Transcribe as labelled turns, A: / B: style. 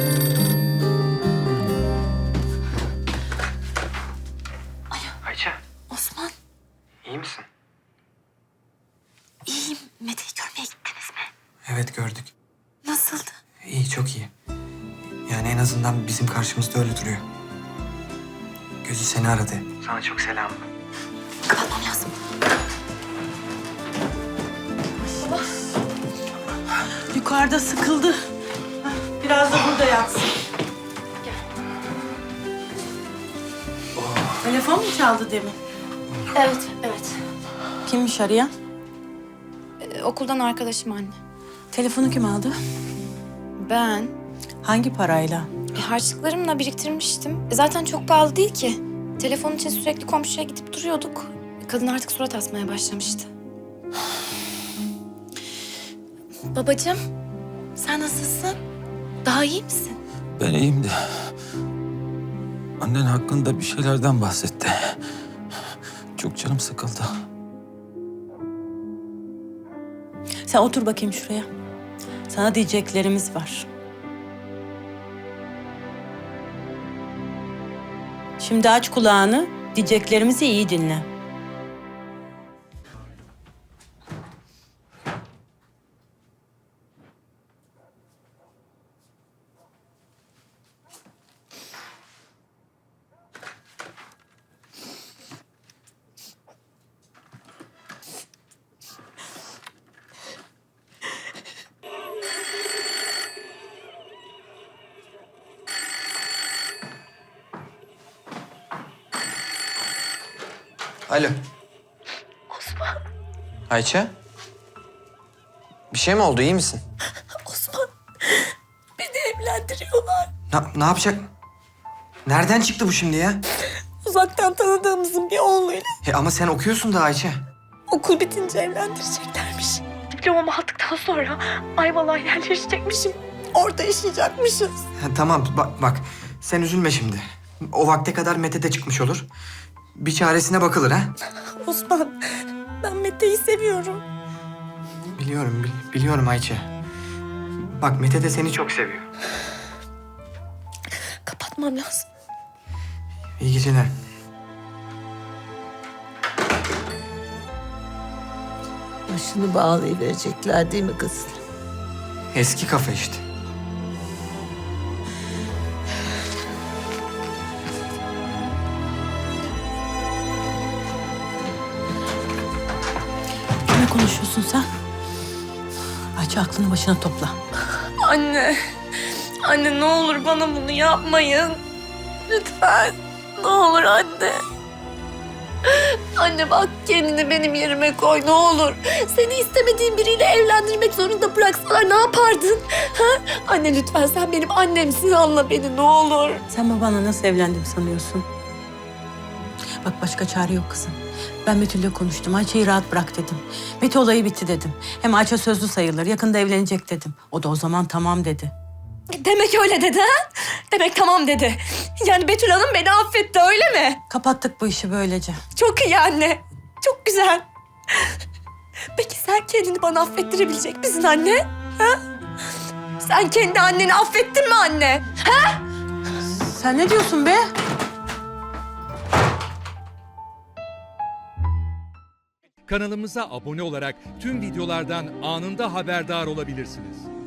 A: Ayça,
B: Osman,
A: iyi misin?
B: iyiyim. Mete'yi görmeye gittiniz mi?
A: Evet, gördük.
B: Nasıldı?
A: İyi, çok iyi. Yani en azından bizim karşımızda öyle duruyor. Gözü seni aradı. Sana çok selam.
B: Kapatmam lazım.
C: Yukarıda sıkıldı. Biraz da burada yatsın. Telefon mu çaldı demin?
B: Evet.
C: Kimmiş arayan?
B: Okuldan arkadaşım anne.
C: Telefonu kim aldı?
B: Ben
C: Hangi parayla?
B: harçlıklarımla biriktirmiştim. Zaten çok pahalı değil ki. Telefon için sürekli komşuya gidip duruyorduk. Kadın artık surat asmaya başlamıştı. Babacığım, sen nasılsın? Daha iyi misin?
D: Ben iyiyim de annen hakkında bir şeylerden bahsetti. Çok canım sıkıldı.
C: Sen otur bakayım şuraya. Sana diyeceklerimiz var. Şimdi aç kulağını, diyeceklerimizi iyi dinle.
A: Alo. Osman. Ayça? Bir şey mi oldu, iyi misin?
B: Osman, beni evlendiriyorlar.
A: Ne yapacak? Nereden çıktı bu şimdi ya?
B: Uzaktan tanıdığımızın bir oğluyla.
A: Ama sen okuyorsun da Ayça.
B: Okul bitince evlendireceklermiş. Diplomamı aldıktan sonra Ayvalık'a yerleşecekmişim. Orada yaşayacakmışız.
A: Tamam, bak. Sen üzülme şimdi. O vakte kadar Mete de çıkmış olur. Bir çaresine bakılır ha.
B: Osman, ben Mete'yi seviyorum.
A: Biliyorum Ayça. Bak, Mete de seni çok seviyor.
B: Kapatmam lazım.
A: İyi geceler.
E: Başını bağlayıverecekler değil mi kız?
A: Eski kafa işte.
C: Ne konuşuyorsun sen? Ayça, aklını başına topla.
B: Anne ne olur bana bunu yapmayın. Lütfen. Ne olur anne. Anne bak, kendini benim yerime koy ne olur. Seni istemediğin biriyle evlendirmek zorunda bıraksalar ne yapardın? Ha? Anne lütfen, sen benim annemsin, anla beni ne olur.
C: Sen babanla nasıl evlendim sanıyorsun? Bak, başka çare yok kızım. Ben Betül'le konuştum. Ayça'yı rahat bırak dedim. Mete olayı bitti dedim. Hem Ayça sözlü sayılır. Yakında evlenecek dedim. O da o zaman tamam dedi.
B: Demek öyle dedi ha? Demek tamam dedi. Yani Betül Hanım beni affetti öyle mi?
C: Kapattık bu işi böylece.
B: Çok iyi anne. Çok güzel. Peki sen kendini bana affettirebilecek misin anne? Ha? Sen kendi anneni affettin mi anne?
C: Sen ne diyorsun be?
F: Kanalımıza abone olarak tüm videolardan anında haberdar olabilirsiniz.